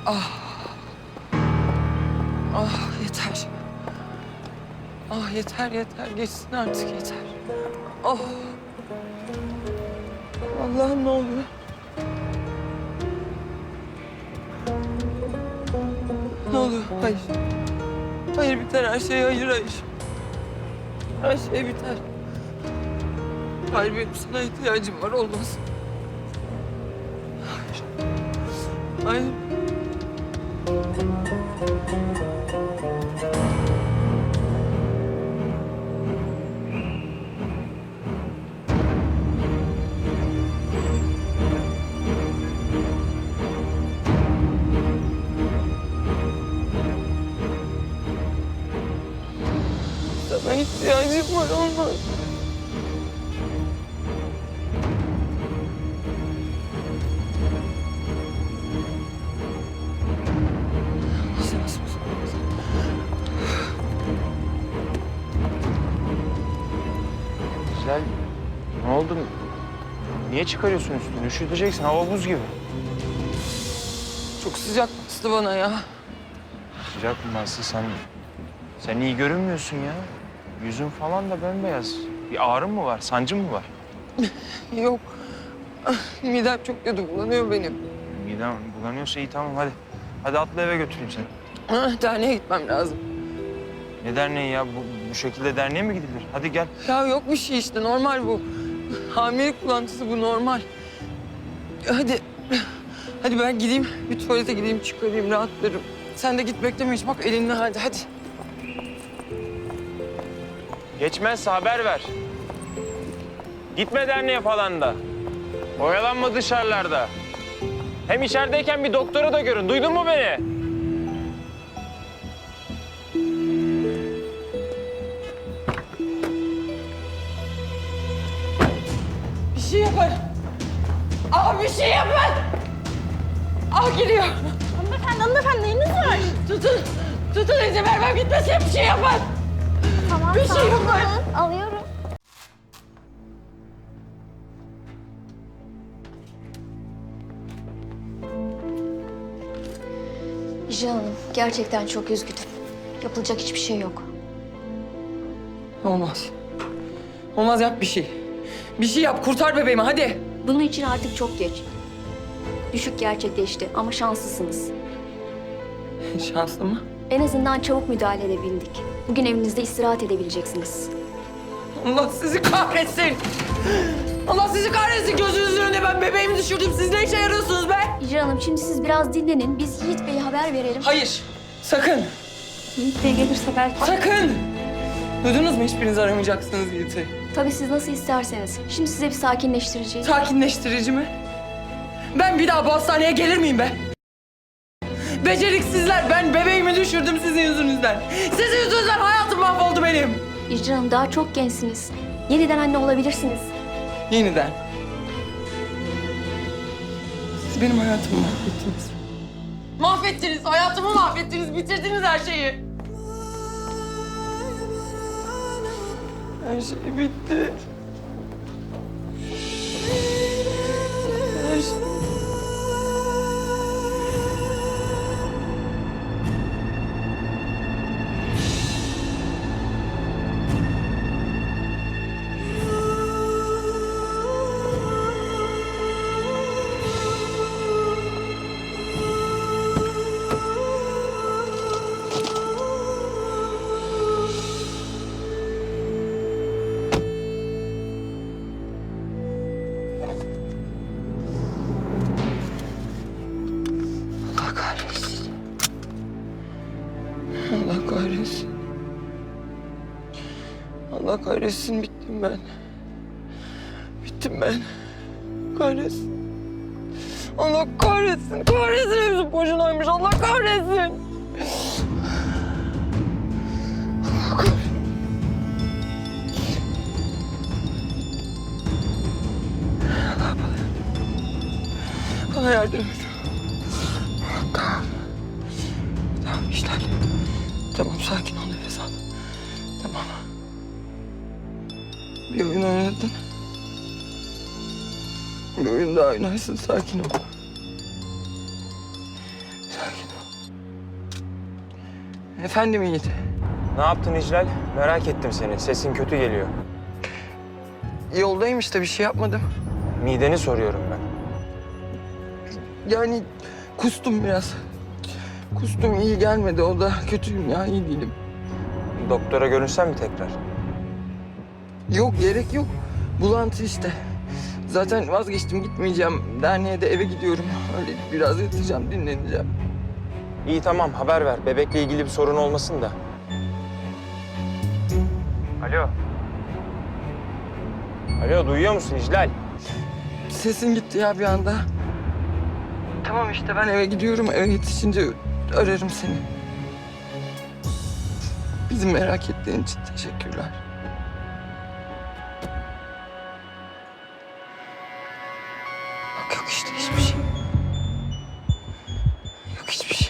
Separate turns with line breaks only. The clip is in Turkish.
Ah yeter. Ah yeter yeter. Geçsin artık yeter. Oh. Allah'ım ne oluyor? Ne oluyor? Hayır. Hayır biter her şey. Hayır hayır. Her şey biter. Hayır benim sana ihtiyacım var. Olmaz. Hayır. Hayır. Sana ihtiyacım var. Olmaz.
Güzel. Ne oldu? Niye çıkarıyorsun üstünü? Üşüteceksin. Hava buz gibi.
Çok sıcak bastı bana ya.
Sıcak mı Aslı? Sen iyi görünmüyorsun ya. Yüzün falan da bembeyaz. Bir ağrın mı var? Sancın mı var?
Yok. Ah, midem çok kötü bulanıyor benim.
Midem bulanıyorsa iyi tamam hadi. Hadi atla eve götüreyim seni.
Ah, derneğe gitmem lazım.
Ne derneği ya? Bu şekilde derneğe mi gidilir? Hadi gel.
Ya yok bir şey işte normal bu. Hamilelik bulantısı bu normal. Hadi. Hadi ben gideyim. Bir tuvalete gideyim çıkarayım rahatlarım. Sen de git bekleme hiç bak elinle hadi.
Geçmezse haber ver. Gitme derneğe falan da. Oyalanma dışarılarda. Hem içerideyken bir doktora da görün. Duydun mu beni?
Bir şey yapın. Aa bir şey yapın. Aa geliyor.
Hanımefendi neyiniz var?
Tutun izin vermem gitmesin bir şey yapın.
Tamam,
Bir şey
sakin
yapın.
olun. Alıyorum.
Hicran Hanım, gerçekten çok üzgünüm. Yapılacak hiçbir şey yok.
Olmaz. Olmaz yap bir şey. Bir şey yap kurtar bebeğimi hadi.
Bunun için artık çok geç. Düşük gerçekleşti ama şanslısınız.
Şanslı mı?
En azından çabuk müdahale edebildik. Bugün evinizde istirahat edebileceksiniz.
Allah sizi kahretsin. Allah sizi kahretsin gözünüzün önünde ben bebeğimi düşürdüm. Siz ne işe yarıyorsunuz be?
Hicran Hanım, şimdi siz biraz dinlenin. Biz Yiğit Bey'e haber verelim.
Hayır. Sakın.
Yiğit Bey gelirse belki...
Sakın. Duydunuz mu hiçbiriniz aramayacaksınız Yiğit'i.
Tabii siz nasıl isterseniz. Şimdi size bir sakinleştireceğiz.
Sakinleştirici mi? Ben bir daha bu hastaneye gelir miyim be? Beceriksizler. Ben bebeğimi düşürdüm sizin yüzünüzden. Sizin yüzünüzden hayatım mahvoldu benim.
Hicran Hanım, daha çok gençsiniz. Yeniden anne olabilirsiniz.
Yeniden. Siz benim hayatımı mahvettiniz. Mahvettiniz. Hayatımı mahvettiniz. Bitirdiniz her şeyi. Her şey bitti. Her şey... Allah kahretsin. Allah kahretsin. Allah kahretsin bittim ben. Bittim ben. Kahretsin. Allah kahretsin. Kahretsin hepsi boşunaymış. Allah kahretsin. Allah kahretsin. Allah bana yardım et. Tamam. Tamam işler. Tamam sakin ol nefes al. Tamam. Bir oyun oynadın. Bir oyun daha oynarsın sakin ol. Sakin Efendim Yiğit.
Ne yaptın İclal? Merak ettim seni. Sesin kötü geliyor.
Yoldayım işte, bir şey yapmadım.
Mideni soruyorum ben.
Yani kustum biraz. Kustum, iyi gelmedi. O da kötüyüm ya, iyi değilim.
Doktora görünsen mi tekrar?
Yok, gerek yok. Bulantı işte. Zaten vazgeçtim, gitmeyeceğim. Derneğe de eve gidiyorum. Öyle biraz yatacağım, dinleneceğim.
İyi tamam, haber ver. Bebekle ilgili bir sorun olmasın da. Alo. Alo, duyuyor musun İclal?
Sesin gitti ya bir anda. Tamam işte, ben eve gidiyorum. Eve yetişince ararım seni. Bizi merak ettiğin için teşekkürler. Bak yok işte hiçbir şey. Yok hiçbir şey.